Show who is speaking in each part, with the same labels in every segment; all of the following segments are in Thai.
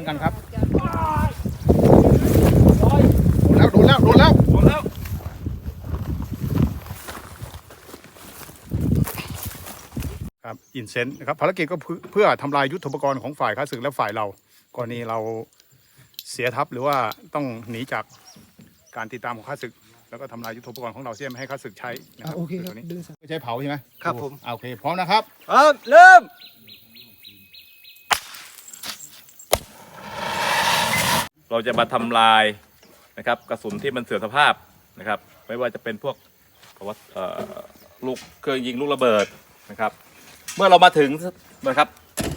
Speaker 1: กันครับโดนแล้วครับอินเซนต์นะครับภารกิจก็เพื่อทำลายยุทโธปกรณ์ของฝ่ายข้าศึกและฝ่ายเรากรณีเราเสียทัพหรือว่าต้องหนีจากการติดตามของข้าศึกแล้วก็ทำลายยุทโธปกรณ์ของเราเสียไม่ให้ข้าศึกใช้นะครับ
Speaker 2: โอเคครับ
Speaker 1: ไม่ใช่เผาใช่ไหม
Speaker 2: ครับผม
Speaker 1: โอเคพร้อมนะครับ
Speaker 2: เริ่ม
Speaker 3: เราจะมาทำลายนะครับกระสุนที่มันเสื่อมสภาพนะครับไม่ว่าจะเป็นพวกลูกเครื่องยิงลูกระเบิดนะครับเมื่อเรามาถึงนะครับ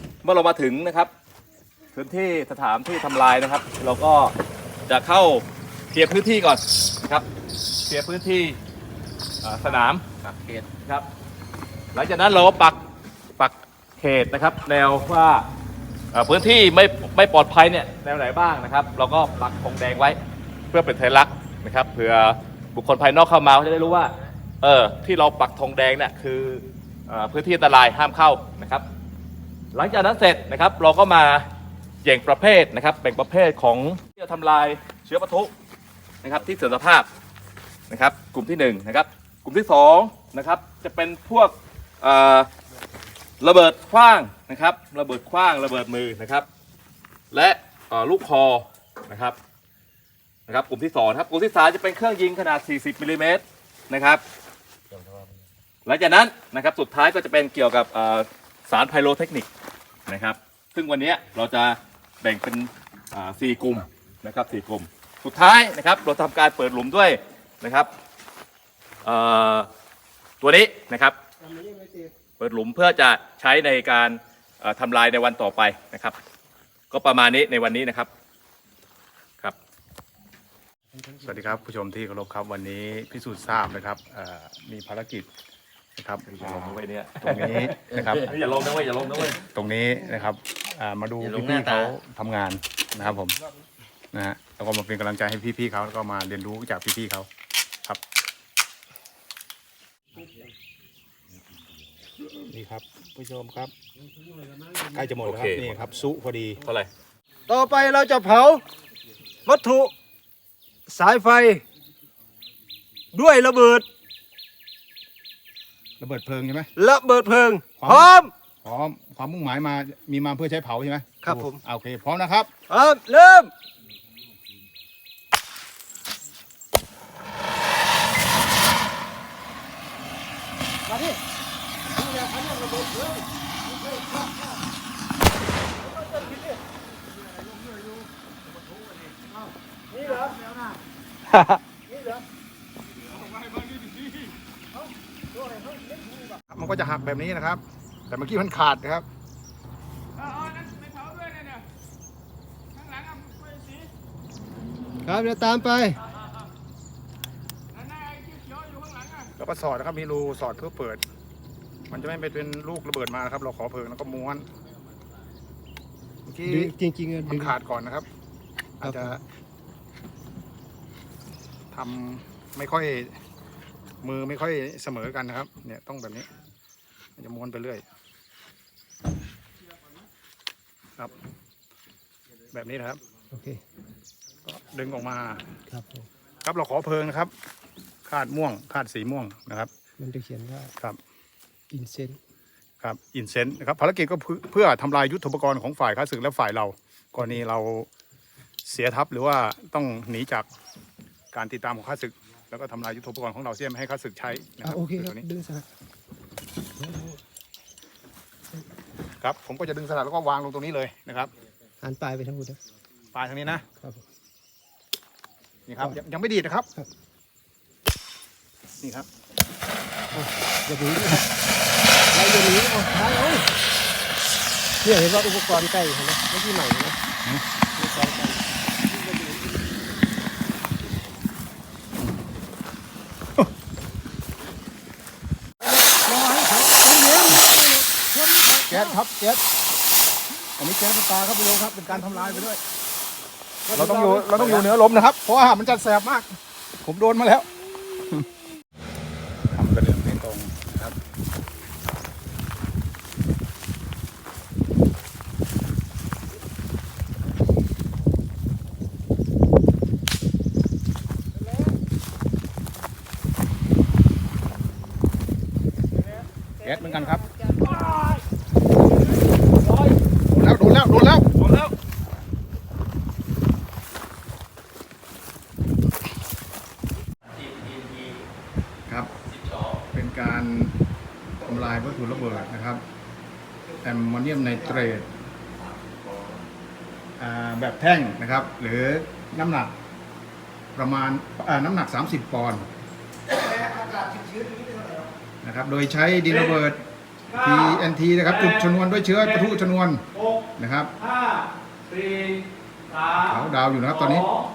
Speaker 3: พื้นที่สถานที่ทำลายนะครับเราก็จะเข้าเคลียร์พื้นที่ก่อนนะครับเคลียร์พื้นที่สนามเขตครับหลังจากนั้นเราก็ปักเขตนะครับแนวว่าพื้นที่ไม่ปลอดภัยเนี่ยแนวไหนบ้างนะครับเราก็ปักธงแดงไว้เพื่อเป็นสัญลักษณ์นะครับเผื่อบุคคลภายนอกเข้ามาเขาจะได้รู้ว่าที่เราปักธงแดงเนี่ยคือพื้นที่อันตรายห้ามเข้านะครับหลังจากนั้นเสร็จนะครับเราก็มาแบ่งประเภทนะครับแบ่งประเภทของที่จะทำลายเชื้อปะทุนะครับที่เสื่อมสภาพนะครับกลุ่มที่1นะครับกลุ่มที่2นะครับจะเป็นพวกระเบิดขว้างนะครับระเบิดขว้างระเบิดมือนะครับและลูกคอนะครับกลุ่มที่2ครับกลุ่มที่3จะเป็นเครื่องยิงขนาด40มิลลิเมตรนะครับหลังจากนั้นนะครับสุดท้ายก็จะเป็นเกี่ยวกับสารไพโรเทคนิคนะครับซึ่งวันนี้เราจะแบ่งเป็น4 กลุ่มนะครับ4 กลุ่มสุดท้ายนะครับเราทำการเปิดหลุมด้วยนะครับตัวนี้นะครับเปิดหลุมเพื่อจะใช้ในการทำลายในวันต่อไปนะครับก็ประมาณนี้ในวันนี้นะครับครับ
Speaker 1: สวัสดีครับผู้ชมที่เคารพครับวันนี้พิสูจน์ทราบนะครับมีภารกิจนะครับ
Speaker 3: อย่าลงนะเว้ยเนี่ย
Speaker 1: ตรงนี้นะครับ
Speaker 3: อย่าลงนะเว้ย
Speaker 1: ตรงนี้นะครับมาดูพี่ๆเขาทำงานนะครับผมนะฮะแล้วก็มาเป็นกำลังใจให้พี่ๆเขาแล้วก็มาเรียนรู้จากพี่ๆเขาครับนี่ครับผู้ชมครับใกล้จะหมดแล้วครับนี่ครับซุพอดี
Speaker 3: เท่าไหร่
Speaker 2: ต่อไปเราจะเผาวัตถุสายไฟด้วยระเบิด
Speaker 1: เพลิงใช่ไหม
Speaker 2: ระเบิดเพลิงพร้อม
Speaker 1: ความมุ่งหมายมาเพื่อใช้เผาใช่ไหม
Speaker 2: ครับผม
Speaker 1: โอเคพร้อมนะครับ
Speaker 2: เริ่มมาดินี่เหรอ
Speaker 1: มันก็จะหักแบบนี้นะครับแต่เมื่อกี้มันขาดนะครับ
Speaker 2: ครับเดี๋ยวตามไป
Speaker 1: แล้วก็สอดนะครับมีรูสอดเพื่อเปิดมันจะไม่เป็นลูกระเบิดมานะครับเราขอเพลิงแล้วก็ม้วนเมื่อกี้
Speaker 2: จริงๆ
Speaker 1: มันขาดก่อนนะครับอาจจะทำไม่ค่อยมือไม่ค่อยเสมอกันนะครับเนี่ยต้องแบบนี้มันจะม้วนไปเรื่อยครับแบบนี้นะครับ
Speaker 2: โอเค
Speaker 1: ก็ดึงออกมา
Speaker 2: ครับ
Speaker 1: เราขอเพลิงนะครับคาดม่วงคาดสีม่วงนะครับ
Speaker 2: มันจะเขียนว่า
Speaker 1: ครับ
Speaker 2: อินเซนต์
Speaker 1: ครับอินเซนต์นะครับภารกิจก็เพื่อทำลายยุทโธปกรณ์ของฝ่ายข้าศึกและฝ่ายเรากรณีเราเสียทัพหรือว่าต้องหนีจากการติดตามของข้าศึกแล้วก็ทำลายยุทโธปกรณ์ของเราเสียไม่ให้ข้าศึกใช้นะครับ
Speaker 2: โอเคครับดึงสลัก
Speaker 1: ครับผมก็จะดึงสลักแล้วก็วางลงตรงนี้เลยนะครับ
Speaker 2: หันปลายไปทั้งหมดนะ
Speaker 1: ปลายทางนี้นะครับนี่ครับยังไม่ดีดนะครับนี่ครับ
Speaker 2: อย่าหนีเราอย่าหนีเอาท้ายเอาเนี่ยเห็นว่าอุปกรณ์ใกล้เห็นไหมไม่ใช่ใหม่นะอุปกรณ์ใกล้
Speaker 1: แก๊สครับแก๊สอันนี้แก๊สตาครับพี่โยครับเป็นการทำลายไปด้วยเราต้องอยู่เหนือลมนะครับเพราะว่ามันจะแสบมากผมโดนมาแล้วทำกระเดื่องให้ตรงนะครับก๊สเหมือนกันครับโดนแล้ว
Speaker 3: หมดแล้ว
Speaker 1: ครับ เป็นการทำลายวัตถุระเบิดนะครับแอมโมเนียมไนเตรตแบบแท่งนะครับ หรือน้ำหนักประมาณน้ำหนัก 30 ปอนด์นะครับ โดยใช้ดินระเบิด TNT นะครับ จุดชนวนด้วยเชื้อประทุชนวนนะครับ
Speaker 3: 5 4 3
Speaker 1: เขาดาวอยู่นะครับตอนนี้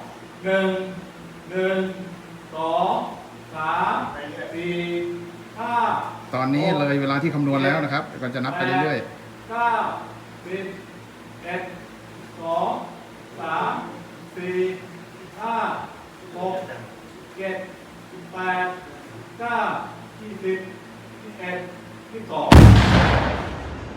Speaker 3: 1 2 3 4 5
Speaker 1: ตอนนี้เลยเวลาที่คำนวณแล้วนะครับก็จะนับไปเรื่อย
Speaker 3: 9 10 11 2 3 4 5 6 7 8 9 20 21 22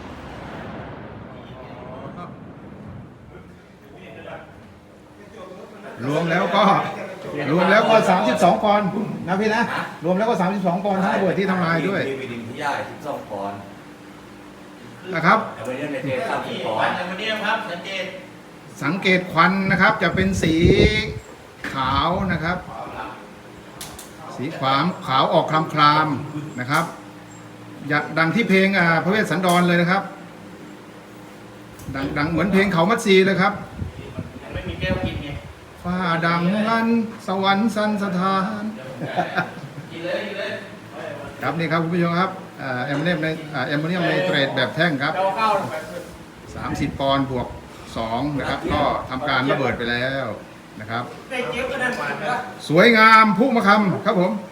Speaker 1: ๆ รวมแล้วก็ 32 ปอนด์นะพี่นะ รวมแล้วก็ 32 ปอนด์ทั้งระเบิดที่ทำลายด้วย
Speaker 4: มีวิดินที่ย่าย12 ปอนด์
Speaker 1: นะครับ
Speaker 4: แต่วันนี้ในเทส30 ปอนด์
Speaker 2: วันนี้ครับสังเกต
Speaker 1: สังเกตควันนะครับจะเป็นสีขาวนะครับ สีขาวออกคลามๆนะครับดังที่เพลงพระเวสสันดรเลยนะครับ ดังเหมือนเพลงเขามัดซีเลยครับ
Speaker 2: ไม่มีแก้วกินไง
Speaker 1: ฟ้าดังลั่นสวรรค์สันสถาน
Speaker 2: กินเลย
Speaker 1: ครับนี่ครับคุณผู้ชมครับแอมโมเนียมไนเตรตแบบแท่งครับ
Speaker 2: เจ้าข้าว
Speaker 1: 30 ปอนด์บวก2นะครับก็ทำการระเบิดไปแล้วนะครับ
Speaker 2: ได้เจี๊ยบก็ได้หวานนะ
Speaker 1: สวยงามพุ่มะคำครับผม